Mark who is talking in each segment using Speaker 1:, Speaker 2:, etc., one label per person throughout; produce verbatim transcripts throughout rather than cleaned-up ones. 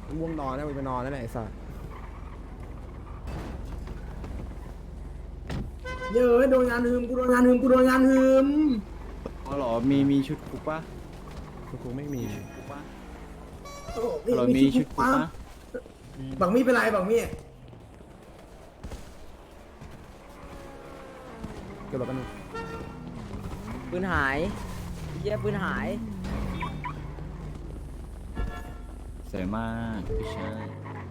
Speaker 1: ง่วงนอนแล้วไปนอนแล้วไหนไอ้สัส
Speaker 2: เยอะโดนงานหืมกูโดนงานหืมกูโดนงานหืม
Speaker 3: อ๋อเหรอมีมีชุดคุกปะ
Speaker 1: กูไม่มี
Speaker 3: คุกปะ
Speaker 2: โอ้โห
Speaker 3: เหรอมีชุดคุกปะ
Speaker 2: บังมี่เป็นไรบังมี่
Speaker 1: เก็บรถกันง
Speaker 4: ปืนหายเยี่ยปืนหาย
Speaker 3: สวยมากพี่ชาย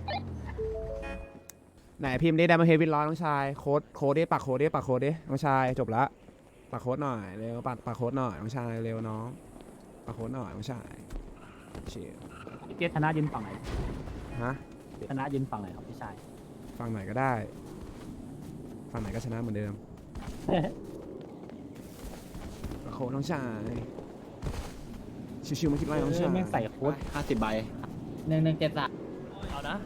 Speaker 1: ไหนพิมพ์ได้ไดมอนเฮดวินร้อยน้องชายโค้ดโค้ดดิปักโค้ดดิปักโค้ดดิน้องชายจบละปักโค้ดหน่อยเร็วปักปักโค้ดหน่อยน้องชายเร็วน้องปักโค้ดหน่อยน้องชายเชียร์
Speaker 5: เกียรติธนายืนฝั่งไหน
Speaker 1: ฮะ
Speaker 5: ธนายืนฝั่งไหนครับพี่ชาย
Speaker 1: ฝั่งไหนก็ได้ฝั่งไหนก็ชนะเหมือนเดิมปักโค้ดน้องชายชิวๆมาคิดไรน้องชาย
Speaker 5: แม่งใส่โค้ด
Speaker 3: ห้าสิบใบ
Speaker 5: หนึ่งหนึ่งเจ็ดสาม
Speaker 6: เอานะ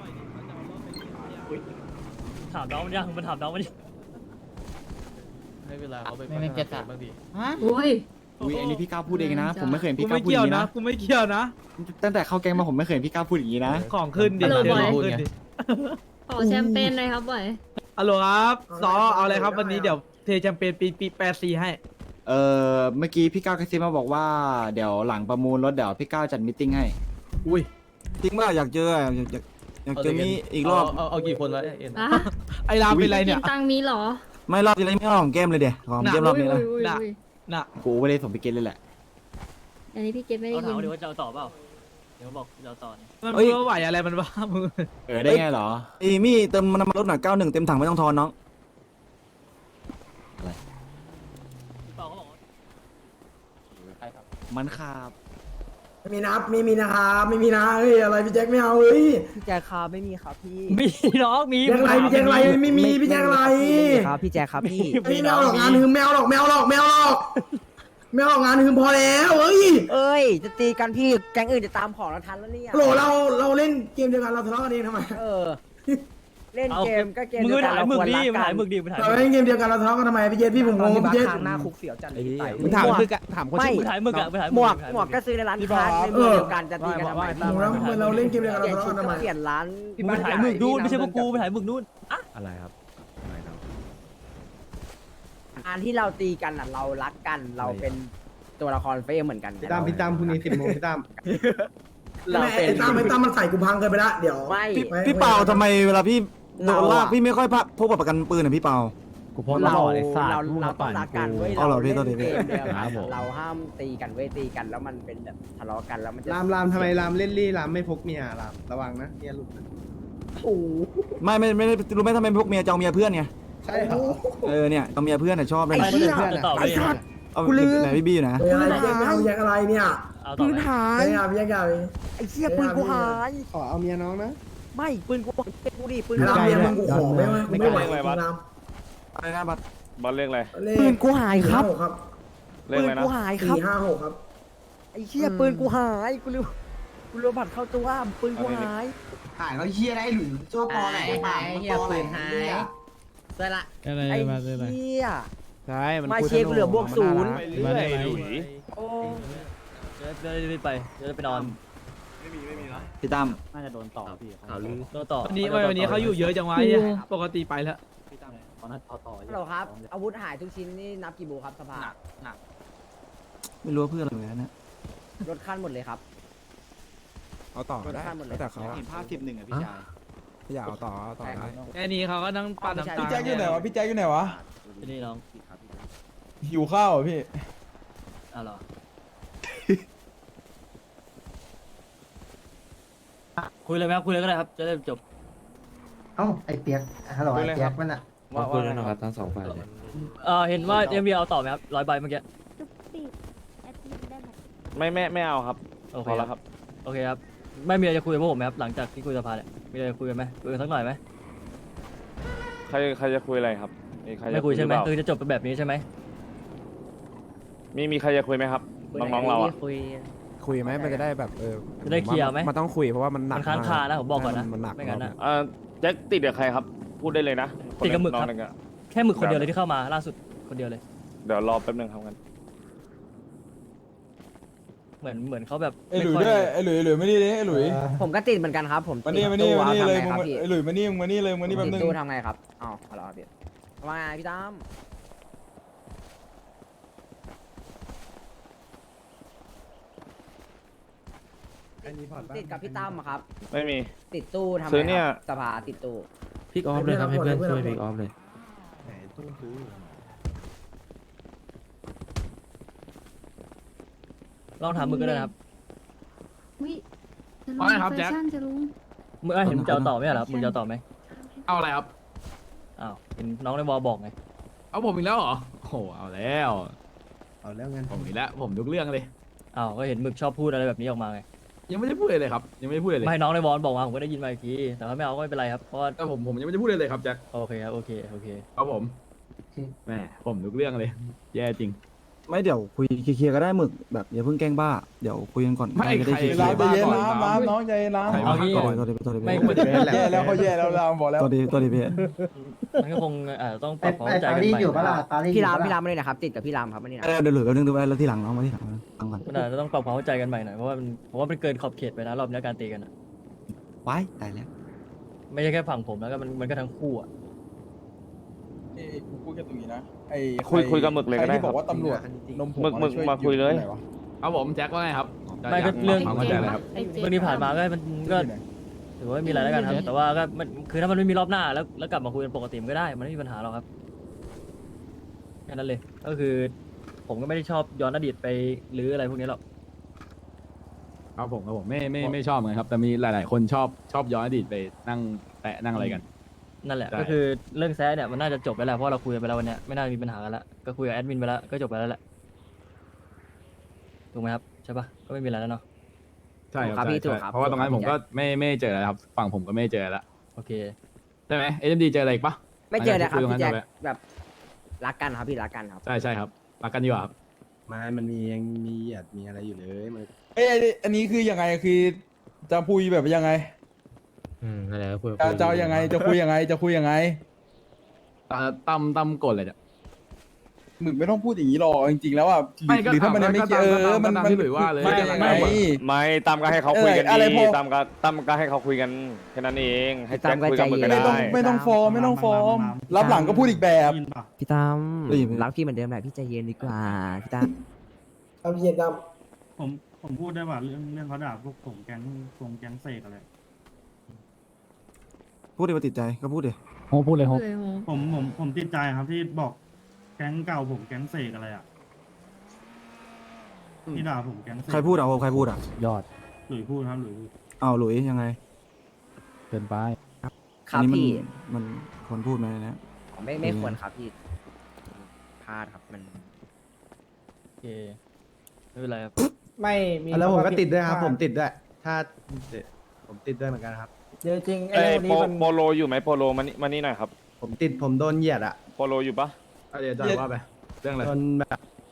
Speaker 6: ถามน้องมันยังมันถามน้องมันยัง
Speaker 7: ให้เวลาเขาไป
Speaker 5: หนึ่งหนึ่งเจ็ดสาม
Speaker 7: บางที
Speaker 8: โอ้ย
Speaker 3: อุ้ยอันนี้พี่ก้าวพูดเองนะ ผมไม่เคยเห็น
Speaker 9: กู
Speaker 3: พี่ก้า
Speaker 9: ไม่
Speaker 3: วพูดอ
Speaker 9: เกี่ยว
Speaker 3: ย่างนี้
Speaker 9: นะ
Speaker 3: นะ
Speaker 9: กูไม่เกี่ยวนะ
Speaker 3: ตั้งแต่เข้าแก๊งมาผมไม่เคยเห็นพี่ก้าวพูดอย่างนี้นะ
Speaker 9: ของขึ้นดิ
Speaker 8: ฮัลโหล
Speaker 9: เดี๋ยว
Speaker 8: บอย
Speaker 9: ของขึ้นดิ
Speaker 8: ขอแชมเปญหน่อยครับบ่อย
Speaker 9: ฮัลโหลครับซอเอาอะไรครับวันนี้เดี๋ยวเทแชมเปญปีปีแปดซีให้
Speaker 3: เออเมื่อกี้พี่ก้าวกระซิบมาบอกว่าเดี๋ยวหลังประมูลรถเดี๋ยวพี่ก้าวจัดมิทติ้งให้
Speaker 9: อุ้ย
Speaker 10: จริงป่ะอยากเจออยากอยากอยากเจอมีอีกรอบ
Speaker 7: เาเอากี่คนวะเอ็น
Speaker 8: อ่ะ
Speaker 9: ไอ้รามเป็นไร
Speaker 8: กิ
Speaker 9: เนี่ย
Speaker 8: นตังค์มีเหรอ
Speaker 10: ไม่รอบที่แล้วไม่เอาของแก้มเลยเดี๋ยวของแก้มรอบนี้นะ
Speaker 8: อุ้ย
Speaker 9: น่ะ
Speaker 8: อุ้ย
Speaker 9: น่ะ
Speaker 3: กูไม่ได้ส่งไปเกณฑ์เลยแหละ
Speaker 8: อันนี้พี่เกดไม่ได้
Speaker 6: เอา
Speaker 8: ยิ
Speaker 6: ถาม
Speaker 8: น
Speaker 6: เดี๋ยวว่าจะเอาต่อเปล่าเดี๋ยวบอกจะเอาต่อเนี่ย
Speaker 9: มันเพื่อไหวอะไรมันบ้ามึง
Speaker 3: เออได้ไงเหรอ
Speaker 10: ไอ้มี่เติมน้ำมันรถหน่อยเก้าหนึ่งเต็มถังไม่ต้องทอนน้อง
Speaker 6: พี่เปาเขาบอกว่า
Speaker 3: มันขาบ
Speaker 2: ไม่มีนับไม่มีนะครับไม่มีนะเฮ้ยอะไรพี่แจ็คไม่เอาเฮ้ย
Speaker 4: พี่แจคครับไม่มีครับพี่
Speaker 6: มีน้องมี
Speaker 2: แจ็คอะไรพี่แจ็คอะไรไม่มีพี่แจ็คอะไร
Speaker 4: ครับพี่แจคครับพี่
Speaker 2: เฮ้ยไม่เอาหรอกงานหืมไม่เอาหรอกไม่เอาหรอกไม่เอาหรอกไม่เอาหรอกงานหืมพอแล้วเฮ้ย
Speaker 4: เอ้ยจะตีกันพี่แก๊งอื่นจะตามของเราทันแล้วเนี่ย
Speaker 2: โหลเราเราเล่นเกมเดียวกันเราทะเลาะกันเองทำไม
Speaker 4: เออเล่นเกมก็เกม
Speaker 6: มึง
Speaker 4: เดี
Speaker 6: ไป
Speaker 4: ยวกัน
Speaker 6: ถ่าย
Speaker 4: เรา
Speaker 6: หมึ
Speaker 4: ค
Speaker 6: ก
Speaker 4: วร
Speaker 6: ดิ
Speaker 4: รัก
Speaker 6: มึง
Speaker 4: กั
Speaker 6: ถ่าย
Speaker 4: น
Speaker 6: หมึกดิมึงถ่าย
Speaker 2: เราเล่นเกมเดียวกันเราทะเลาะกันทำไมพี่เจษพี่ผมงง
Speaker 4: ตอน
Speaker 2: พี่
Speaker 4: ที่
Speaker 2: เจษ
Speaker 4: บ้านข้างหน้าคุกเสียวจัดเลยพี่ไต่
Speaker 1: มึงถามคือถามคน
Speaker 4: ไม่
Speaker 1: ชื่อ
Speaker 6: มึงถ่ายหมึกอะมึงถ่าย
Speaker 4: หมวก
Speaker 6: ถ่าย
Speaker 4: หมวกก็ซื้อในร้านค้าในเมืองเดียวกันจะตีกันทำไมพี่
Speaker 2: ผมแล้วเราเล่นเกมเดียวกัน
Speaker 4: เป
Speaker 2: เรา
Speaker 4: ลี่ยน
Speaker 2: ทะเลาะ
Speaker 4: ชุด
Speaker 2: กันทำไม
Speaker 4: ก็เปลี่ยนร้าน
Speaker 6: มึงไปถ่ายหมึกนู่นไม่ใช่พวกกูไปถ่ายหมึกนู่น
Speaker 3: อะไรครับอะไรครับ
Speaker 4: อันที่เราตีกันอ่ะเรารักกันเราเป็นตัวละครเฟรมเหมือนกัน
Speaker 10: พี่ตั้มพี่ตั้มพรุ่งนี้สิบโมงพี่ตั้ม
Speaker 4: เราเป็น
Speaker 2: ไอ้ตั้มไอ้ตั้มมันใส่กูพังเกินไปละเดี๋ยว
Speaker 4: ไม่
Speaker 10: พี่เปาทำไมเวลาพี่โด
Speaker 4: เรา
Speaker 10: น
Speaker 4: อะ
Speaker 10: ลากพี่ไม่ค่อยพกพกบัตรประกันปืนอ่ะพี่เปา
Speaker 5: กูโพสต์
Speaker 4: เรา
Speaker 5: ตลอดไอ้สัตว์
Speaker 4: เรา
Speaker 5: มึง
Speaker 4: เรา
Speaker 5: มา
Speaker 4: ต้อ
Speaker 5: ปั่
Speaker 4: ง
Speaker 5: น
Speaker 4: รักกัน
Speaker 5: กู
Speaker 4: เว้ย
Speaker 10: เอาเหรอพี่
Speaker 4: เล่น
Speaker 10: โทษทีพี่
Speaker 4: เกมเดียว
Speaker 5: ครั
Speaker 4: กับ น
Speaker 5: ผม
Speaker 4: เราห้ามตีกันเว้ยตีกันแล้วมันเป็นแบบทะเลาะกันแล้วมันจะ
Speaker 10: รามรามทำไมรามเล่นรี่รามไม่พกเมียรามระวังนะเมียหลุด
Speaker 4: โอ้โห
Speaker 10: ไม่ไม่ไม่รู้ไหมทำไมพกเมียจะเอาเมียเพื่อนไง
Speaker 2: ใช่เหรอ
Speaker 10: เออเนี่ยเอาเมียเพื่อนอ่ะชอบเลย
Speaker 6: ไอ้เหี้ยจะต่อไป
Speaker 10: เอาไหนพี่บี้อยู่นะ
Speaker 2: เฮ้ยอะไรพี่แจ็คไม่เอาแจ็คอะไรเนี่ย
Speaker 6: เอาต่อ
Speaker 4: ปืน
Speaker 6: ไป
Speaker 4: หาย
Speaker 2: ไม่เอาพี่แจ็คอย่าไป
Speaker 4: ไอ้เชี่ยปืนกูหาย
Speaker 10: ขอเอาเมียน้องนะ
Speaker 4: ไม่ปืนกูเป็นกูดิปืน
Speaker 2: ราม
Speaker 4: หาย
Speaker 2: เมียมึงกูขอไม่ไหวไม่ไหวจริงราม
Speaker 10: อะไรนะบัตร
Speaker 7: บอลเลขอะไร
Speaker 2: เล
Speaker 4: ปื
Speaker 2: ข
Speaker 4: นกูหายครับ
Speaker 2: สี่ห้าหกครับ
Speaker 7: เลข
Speaker 4: ปื
Speaker 7: อะ
Speaker 4: น
Speaker 7: ไรนะ
Speaker 4: กูหายครับ
Speaker 2: สี่ห้าหกครับ
Speaker 4: ไอ้เชี่ยปืนกูหายกูรู้กูรู้บัตรเข้าตัวปืนกูหาย
Speaker 2: หายแล้วเฮียได้หรือโชว์ปอไหนปากเฮียปืนหาย
Speaker 4: เสร็จละ
Speaker 5: อะไร
Speaker 4: ไอ้
Speaker 5: มาอะไร
Speaker 4: เชี่ย
Speaker 1: ใช่มัน
Speaker 4: มา
Speaker 1: คุย
Speaker 4: เชียร์กูเหลือบวกศูนย์
Speaker 7: ไปเรื่อยหลุย
Speaker 4: โอ้
Speaker 6: เดี๋ยวจะได้ไปเดี๋ยวจะไปนอน
Speaker 3: พี่ตั้ม
Speaker 5: น่าจะโดนต่อพี่
Speaker 6: เอาลือโดนต่อ
Speaker 9: วันนี้วันนี้เขาอยู่เยอะจังวะไอ้เหี้ยปกติไปแล้ว
Speaker 5: ตอนนั้นต่อต่อ
Speaker 4: ฮัลโหลครับ อาวุธหายทุกชิ้นนี่นับกี่โบครับสภา
Speaker 10: ไม่รู้ว่าเพื่อนอะไรนะ
Speaker 4: ลดขั้นหมดเลยครับ
Speaker 1: เอาต่อก็ได้แล้วแต่เขา
Speaker 3: เห็นภาพสิบหนึ่งอ่ะพี่ชาย
Speaker 1: ถ้าอยากเอาต่อเอาต่อได้
Speaker 9: แค่นี้เขาก็นั่งปั่นน้ำตา
Speaker 4: พี่แจ็คอยู่ไหนวะพี่แจ็ค
Speaker 9: อยู่ไหนวะ
Speaker 6: ที่นี่น้อง
Speaker 9: หิวข้าวพี่
Speaker 6: เอาเหรอคุยเลยไหมครับคุยเลยก็ได้ครับจะได้จบ
Speaker 2: เอ้าไอเปียกฮัลโหลไอเปียกมันอะ
Speaker 7: ว่าว่าไงครับ
Speaker 5: ทั้งสองฝ่าย
Speaker 6: เออเห็นว่าเอ็มวีเอาต่อไหมครับร้อยใบเมื่อกี้
Speaker 8: จุ๊บปีแอดมินได้ไหม
Speaker 7: ไม่ไม่ไม่เอาครับ
Speaker 6: โอเค
Speaker 7: พอ
Speaker 6: ค
Speaker 7: แล้
Speaker 6: รับ
Speaker 7: วครับ
Speaker 6: โอเคครับไม่มีอะไรจะคุยกับพวกผมไหมครับหลังจากที่คุยสภาเนี่ยมีอะไรจะคุยกันไหมคุยกันสักหน่อยไหม
Speaker 7: ใครใครจะคุยอะไรครับมีใครจะ
Speaker 6: ไม่คุยใช่ไหม
Speaker 7: รือเปล่า
Speaker 6: คือจะจบแบบนี้ใช่ไหม
Speaker 7: มีมีใครจะคุยไหมครับน้องๆเราอ่ะ
Speaker 4: คุย
Speaker 1: คุยไหมมันจะได้แบบเออ
Speaker 6: จะได้เคลียร์ไหม
Speaker 1: มันต้องคุยเพราะว่ามันหนั
Speaker 6: มั
Speaker 1: ก
Speaker 6: นค้างคานะผมบอกก่อนนะ
Speaker 1: มันหนัก
Speaker 6: ไม่งั้นนะ
Speaker 7: เอ่อแจ็คติดกับใครครับ พูดได้เลยนะ
Speaker 6: ติดกับหมึกครับ
Speaker 7: น้องนึงอะ
Speaker 6: แค่หมึกคนเดียวเลยที่เข้ามาล่าสุดคนเดียวเลย
Speaker 7: เดี๋ยวรอแป๊บนึงครับกัน
Speaker 6: เหมือนเหมือนเขาแบบ
Speaker 11: ไอ้หลุย
Speaker 6: ม่ค่
Speaker 11: ด้วยไอ้หลุยไอ้หลุยมานี่ดิไอ้หลุย
Speaker 4: ผมก็ติดเหมือนกันครับ ผม
Speaker 11: มา
Speaker 4: ติ
Speaker 11: นี่
Speaker 4: ด
Speaker 11: มานี่
Speaker 4: ตู้
Speaker 11: มา
Speaker 4: เอา
Speaker 11: นี่
Speaker 4: ทำ
Speaker 11: เลย
Speaker 4: ไง
Speaker 11: มึง
Speaker 4: ครับ
Speaker 11: มา
Speaker 4: พี่
Speaker 11: ไอ้หลุยมานี่มึงมานี่เลยมานี่แป๊บ
Speaker 4: ติด
Speaker 11: นึง
Speaker 4: ตู้ทำไงครับอ๋อเอาละครับพี่ว่าไงพี่ตั้ม
Speaker 10: อันนี้ผ่อนปะ
Speaker 4: ติดกับพี่ตั้มอะครับ
Speaker 7: ไม่มี
Speaker 4: ติดตู้ทำไง
Speaker 7: ซื้อเนี่ย
Speaker 4: ครับสภาติดตู้
Speaker 2: พิกออฟเลยครับให้เพื่อนช่วยพิกออฟเลย
Speaker 10: ไหนตู้ซื้อ
Speaker 6: ลองถามมึงก็ได้นะครับ
Speaker 8: วิจะ
Speaker 9: ว่าไงครับแจ็ค
Speaker 8: ชั่นจะรู้
Speaker 6: มึงเอ้ยเห็นมึงจะเอาต่อไหมเหรอครับมึงจะเอาต่อไหม
Speaker 9: เอาอะไรครับ
Speaker 6: อ้าวเห็นน้องในวอลบอกไง
Speaker 9: เอาผมอีกแล้วเหรอโอ้โหเอาแล้ว
Speaker 10: เอาแล้วงั้น
Speaker 9: ผมอีกแล้วผมทุกเรื่องเลย
Speaker 6: อ้าวก็เห็นมึกชอบพูดอะไรแบบนี้ออกมาไง
Speaker 9: ยังไม่ได้พูดเลยครับ ยังไม่ได้พูดเลย
Speaker 6: ไม่น้องในวอลบอกมาผมก็ได้ยินมาอีกทีแต่เขาไม่เอาก็ไม่เป็นไรครับเพราะว่า
Speaker 9: แต่ผมผมยังไม่ได้พูดเลยเลยครับแจ็ค
Speaker 6: โอเคครับโอเคโอเค
Speaker 9: เอาผมแหมผมทุกเรื่องเลย แย่จริง
Speaker 3: ไม่เดี๋ยวคุยเคลียร์ก็ได้หมึกแบบอย่าเพิ่งแกล้งบ้าเดี๋ยวคุยกันก่อน
Speaker 9: ไม่
Speaker 3: จะได้
Speaker 9: ใคร
Speaker 3: เคลียร์
Speaker 11: ร้าน
Speaker 3: ๆ
Speaker 11: ใจเย็น
Speaker 9: บ้าก่อน
Speaker 11: น้ำน้ำน้องใจเย็นน้ำ
Speaker 9: ใคร
Speaker 6: เอางี้
Speaker 3: ตัวดีตัวดีตัวดี
Speaker 6: ไม่
Speaker 11: แย่แล้วเขาแย่แล้วเราบอกแล้ว
Speaker 3: ตัวดีตัวดีพี่
Speaker 6: มันก็คงเอ่อต้องปรับความเข้าใจกันใหม่
Speaker 4: พี่รามพี่รามไม่ได้นะครับ ติดกับพี่รามครับไม่ได้นะ
Speaker 3: เออเดี๋ยวเหลือแป๊บนึงดูไว้แล้วทีหลังน้องมาทีหลังฟังก่อน
Speaker 6: มันอาจจะต้องปรับความเข้าใจกันใหม่หน่อยเพราะว่ามันผมว่ามันเกินขอบเขตไปนะรอบนี้การตีกันอะ
Speaker 3: ไว้ตายแล้ว
Speaker 6: ไม่ใช่แค่ฝั่งผมแล้วก็มันมันก็ทั้งคู่อะ
Speaker 11: เอ้ยกูพูดแค่ตรงนี้นะไอ้
Speaker 7: คุยคุยกับหมึกเลยก็ได้
Speaker 11: ใครที่บอกว่าตำรวจนมผ
Speaker 7: หมึกหมึก
Speaker 11: ช่ว
Speaker 7: มาคุยเลย
Speaker 11: อไหนวะ
Speaker 9: เอาผมแจ็คว่าไงครับ
Speaker 6: ไม่ก็เรื่อง
Speaker 9: ความเข้าใจเลยครับ
Speaker 8: ไอ้เจ
Speaker 6: เรื่องที่ผ่านมาก็มันก็ถือว่าไม่มีอะไรแล้วกันครับ แต่ว่าก็มันคือถ้ามันไม่มีรอบหน้าแล้วแล้วกลับมาคุยกันปกติมันก็ได้ มันไม่มีปัญหาหรอกครับแค่นั้นเลย ก็คือ ผมก็ไม่ได้ชอบย้อนอดีตไปหรืออะไรพวกนี้หรอก
Speaker 9: ครับผมครับผมไม่ไม่ไม่ชอบเหมือนกันครับ แต่มีหลาย ๆ คนชอบชอบย้อนอดีตไปนั่งแตะนั่งอะไรกัน
Speaker 6: นั่นแหละ
Speaker 9: ใช่
Speaker 6: ก็คือเรื่องแซะเนี่ยมันน่าจะจบไปแล้วเพราะเราคุยกันไปแล้ววันเนี้ยไม่น่ามีปัญหากันละก็คุยกับแอดมินไปแล้วก็จบไปแล้วแหละถูกไหมครับใช่ปะก็ไม่มีอะไรแล้วเนาะ
Speaker 9: ใช่ครับ
Speaker 4: ครับ
Speaker 9: ใช่
Speaker 4: พี่ถูก
Speaker 9: ใช่
Speaker 4: ครับ
Speaker 9: เพราะว่าตรงนั้นผมก็ไม่ไม่เจอแล้วครับฝั่งผมก็ไม่เจอแล้ว
Speaker 6: โอเค
Speaker 9: ใช่ไหมเอ็มดีเจออะไรอีกปะ
Speaker 4: ไม่เจอเลยครับ
Speaker 9: คุยตรงนั้
Speaker 4: พี่
Speaker 9: น
Speaker 4: แจ็ค
Speaker 9: จบแล้ว
Speaker 4: แบบรักกันครับพี่รักกันครับ
Speaker 9: ใช่ใช่ครับรักกันดีกว่าครับ
Speaker 10: ไมามันมียังมีเหยียดมีอะไรอยู่เลยมัน
Speaker 11: เอ้ยอันนี้อันนี้คือยังไงคือจะคุยแบบยังไง
Speaker 2: อืมนั่นแหละคุย
Speaker 11: จะจะเอายังไงจะคุยยังไงจะคุยยังไง
Speaker 9: ตตั้มตั้มกดเลยเนี่ย
Speaker 11: มึงไม่ต้องพูดอย่างนี้หรอกจริงๆแล้วอ่ะหรือ
Speaker 9: ไม่ก็
Speaker 11: หรือถ้ามันยังไม่
Speaker 9: ก็
Speaker 11: เจ
Speaker 9: ตาม
Speaker 11: อ
Speaker 9: ก็ตาม
Speaker 11: มัน
Speaker 9: ก็ตาม
Speaker 11: มัน
Speaker 9: ที่หลุยว่าเลย
Speaker 11: ไม่
Speaker 9: ไม่
Speaker 11: ไม่
Speaker 7: ไม่ตามก็ให้เขาคุยกัน
Speaker 11: เอออะไร
Speaker 7: ดี
Speaker 11: พอ
Speaker 7: ตามก็ตามก็ให้เขาคุยกันแค่นั้นเองให้แจ็ค
Speaker 4: ตามก็
Speaker 7: คุยกับหมึกก็
Speaker 4: ใจเย็น
Speaker 11: ไม่ต้อง
Speaker 7: ได้
Speaker 11: ไม่ต้องฟอร์มไม่ต้องฟอร์มรับหลังก็พูดอีกแบบ
Speaker 4: พี่ตั้ม
Speaker 3: ได้ยินไหม
Speaker 4: รักพี่เหมือนเดิมแหละพี่ใจเย็นดีกว่าพี่ตั้ม
Speaker 2: ครับพี่เย็นด
Speaker 12: ผมผมพูดได้ว่าเรื่องเรื่องเขาด่าพวกผมแก๊งพวกแก๊งเสกอะไร
Speaker 3: พูดดิว่าติดใจก็พูดดิ
Speaker 6: โอ้พูดเลยโฮ
Speaker 8: เลยโห
Speaker 12: ผมผมผมติดใจครับที่บอกแก๊งเก่าผมแก๊งเสกอะไรอ่ะที่ด่าผมแก๊งเสก
Speaker 3: ใครพูดเอาใครพูดอ่ะ
Speaker 6: ยอด
Speaker 12: หลุยพูดครับหลุยพูด
Speaker 3: เอาหลุยยังไง
Speaker 6: เกินไป
Speaker 4: ครับ
Speaker 3: อันนี้มัน
Speaker 4: พี่
Speaker 3: มันคนพูดไหมเนะ
Speaker 4: ไม่ไม่ควรครับพี่พลาดครับมัน
Speaker 6: โอเคไม่เป็นไรครับ
Speaker 10: ไม่มีแล้วผมก็ติดด้วยครับ ผมติดด้วย ถ้าผมติดด้วยเหมือนกันครับ
Speaker 2: เดี๋ยวจริงไอ้
Speaker 7: เอ้ย
Speaker 2: เรื่อง
Speaker 7: โป
Speaker 2: นี้มัน
Speaker 7: โปโลอยู่ไหมโปโลมานี่มานี่หน่อยครับ
Speaker 10: ผมติดผมโดนเหยียดอ่ะ
Speaker 7: โปโลอยู่ปะ
Speaker 9: เอาเดี๋ยวจะว่าไปเรื่องอะไร
Speaker 10: โดนแบบ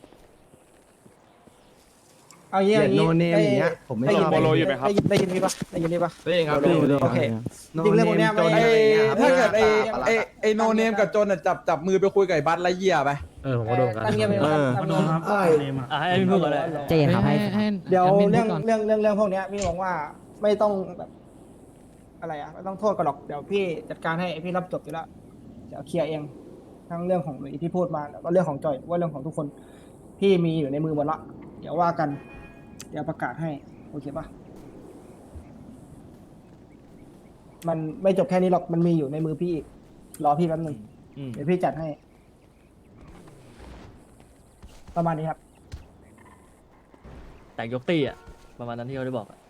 Speaker 2: เอา
Speaker 10: เห
Speaker 2: งี้
Speaker 10: ยีย
Speaker 2: เอา
Speaker 10: ด
Speaker 2: งี้
Speaker 10: โนเนมอย่างเงี้ยผมไม่
Speaker 2: ได้
Speaker 10: ช
Speaker 2: ยิน
Speaker 10: อบ
Speaker 7: โปโลอยู่ไหมครับ
Speaker 2: ได้ยินได้ยินพี่ปะได้ยินพี่ปะ
Speaker 9: ได้เองครับ
Speaker 10: โดนโดน
Speaker 2: โอเค
Speaker 10: โน
Speaker 2: จริงเรื่อง
Speaker 10: เน
Speaker 2: พวกเนี้
Speaker 10: ม
Speaker 2: ย
Speaker 10: โจน
Speaker 2: ไม่
Speaker 10: อะไรอย่างเงี้ยครับ
Speaker 11: ถ้าเกิดไอ้
Speaker 2: ปะละ
Speaker 11: ไอ้ไอ้โนเนมกับโจนอะจับจับมือไปคุยกับไอ้บัตไลเยียไป
Speaker 2: เออผมก็โดนกันตั้งเงียบไป
Speaker 3: เออ
Speaker 12: ก็โดนครับเนมอ่ะ
Speaker 6: อ่ะให้แอดมินพูดก่อนเลย
Speaker 4: ใจเย็นครับให้
Speaker 2: เดี๋ยวเรื่องเรื่องเรื่องเรื่องพวกเนี้ยพี่บอกว่าไม่ต้องแบบอะไรอ่ะไม่ต้องโทษกันหรอกเดี๋ยวพี่จัดการให้พี่รับจบอยู่แล้วเดี๋ยวเคลียร์เองทั้งเรื่องของหลุยที่พูดมาแล้วก็เรื่องของจอยว่าเรื่องของทุกคน พี่มีอยู่ในมือหมดละเดี๋ยวว่ากัน เดี๋ยวประกาศให้โอเคปะมันไม่จบแค่นี้หรอกมันมีอยู่ในมือพี่อีกรอพี่แป๊บนึง
Speaker 6: อืม
Speaker 2: เดี๋ยวพี่จัดให้ ประมาณนี้ครับ
Speaker 6: แต่งยกตี้อ่ะประมาณนั้นที่เขาได้บอกอะ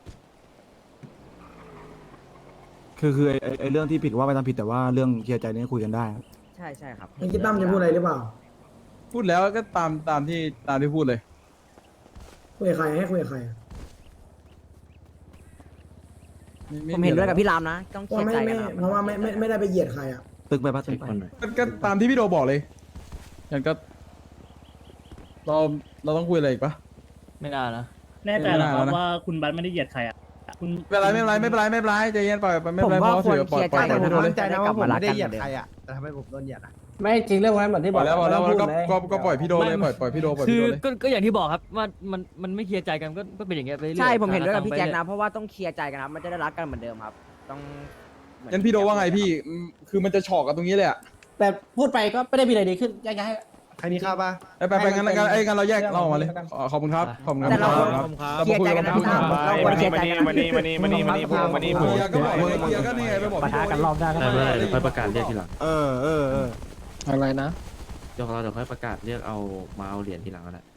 Speaker 3: คือคือไอ้ไอ้ไอ้เรื่องที่ผิดว่าไปตามผิดแต่ว่าเรื่องเคลียร์ใจนี่คุยกันได้ครับ
Speaker 4: ใช่ใช่ครับ
Speaker 2: พี่ตั้มจะพูดอะไรหรือเปล่า
Speaker 11: พูดแล้วก็ตามตามที่ตามที่พูดเลย
Speaker 2: คุยกับใครให้คุยกับใคร
Speaker 4: ผมเห็นด้วยกับพี่รามนะ ต้องเคลี
Speaker 2: ว่าย
Speaker 4: ร์
Speaker 2: ไม่
Speaker 4: ใจกั
Speaker 2: ไม่
Speaker 4: นนะ
Speaker 2: เพราะว่าไม่ไม่ไม่ได้ไปเหยียดใครอ่ะ
Speaker 3: ตึกไปปะตึกไป
Speaker 11: ก็ก็ตามที่พี่โดบอกเลยอย่างก็เราเราต้องคุยอะไรอีกปะ
Speaker 6: ไม่น่านะ
Speaker 12: แน่ใจเหรอครับว่าคุณบัตไม่ได้เหยียดใครอ่ะคุณ
Speaker 11: ไม่เป็นไรไม่เป็นไรไม่เป็นไรไม่เป็นไรใจเย็นปล่อยไปไม่
Speaker 4: ผ
Speaker 11: เป็น
Speaker 4: ม
Speaker 11: ไร
Speaker 4: ว่า
Speaker 11: เพราะ
Speaker 4: ควร
Speaker 11: ถือปล่อย
Speaker 4: เคลียร์
Speaker 11: ปล่
Speaker 4: ใจ
Speaker 11: อยปล่อย
Speaker 4: กัน
Speaker 11: ให้
Speaker 4: นะ
Speaker 11: โดนเลย
Speaker 10: มั่นใจนะว่าผมไม่ได้เหยียด
Speaker 4: กลับมารักกัน
Speaker 10: ใครอ่ะแต่ทำให้ผมโดนเหยียดอ่ะ
Speaker 2: ไม่จริงเรื่องพวกนั้นเหมือนที่บ
Speaker 11: ป
Speaker 2: อ
Speaker 11: ล่อก ยแล้วปล่อยแล้ว
Speaker 2: ไม่
Speaker 11: ก็
Speaker 2: ต้องพูดเลย
Speaker 11: ก็ก็ปล่อยพี่โดเลยปล่อยปล่อยพี่โดปล่อย
Speaker 6: คื
Speaker 11: พี่
Speaker 6: อ
Speaker 11: โดเลย
Speaker 6: ก็ก็อย่างที่บอกครับว่ามันมันไม่เคลียร์ใจกันก็ก็เป็นอย่างเงี้ยไปเรื่อย
Speaker 4: ใช่ผมเห็นด้วยกับ
Speaker 6: ตา
Speaker 4: พี่แจ็ค
Speaker 6: ไปเรื่
Speaker 4: นะ
Speaker 6: อย
Speaker 4: เพราะว่าต้องเคลียร์ใจกันครับมันจะได้รักกันเหมือนเดิมครับ ต้องเหมือ
Speaker 11: งั้นพี่โดว่าไงพี่อืมคือมันจะฉอกกันตรงนี้เลยอ่ะ
Speaker 2: แต่พูดไปก็ไม่ได้มีอะไรดีขึ้นแยกย้าย
Speaker 10: ใครมีข้าวป่ะ
Speaker 11: ไปไปไปงั้นงั้นไอ้ยงั้นเราแยกเราออกมาเลยขอขอบคุณครับขอบคุณครับ
Speaker 4: แต่เรา
Speaker 11: ครับ
Speaker 4: เคลียร์ใจกันนะพี่ตั้มเราควรเคลียร์ใจกันนะ
Speaker 7: มานี่มานี่มานี่มานี่มานี่พูด
Speaker 11: เคลียร์ก็บอกเลยเคลียร์ก็นี่ไงไปบอก
Speaker 5: ปะ
Speaker 11: พี่
Speaker 5: ทะ
Speaker 11: โด
Speaker 5: กันรอบหน้าก็
Speaker 11: ไม่
Speaker 5: ได้
Speaker 11: เป็นไรเดี๋ยวค่อยประกาศเรียกทีหลัง
Speaker 10: เออเออเออ
Speaker 5: อะไรนะ
Speaker 9: เดี๋ยวเราเดี๋ยวค่อยประกาศเรียกเอามาเอาเหรียญทีหลังก็ได้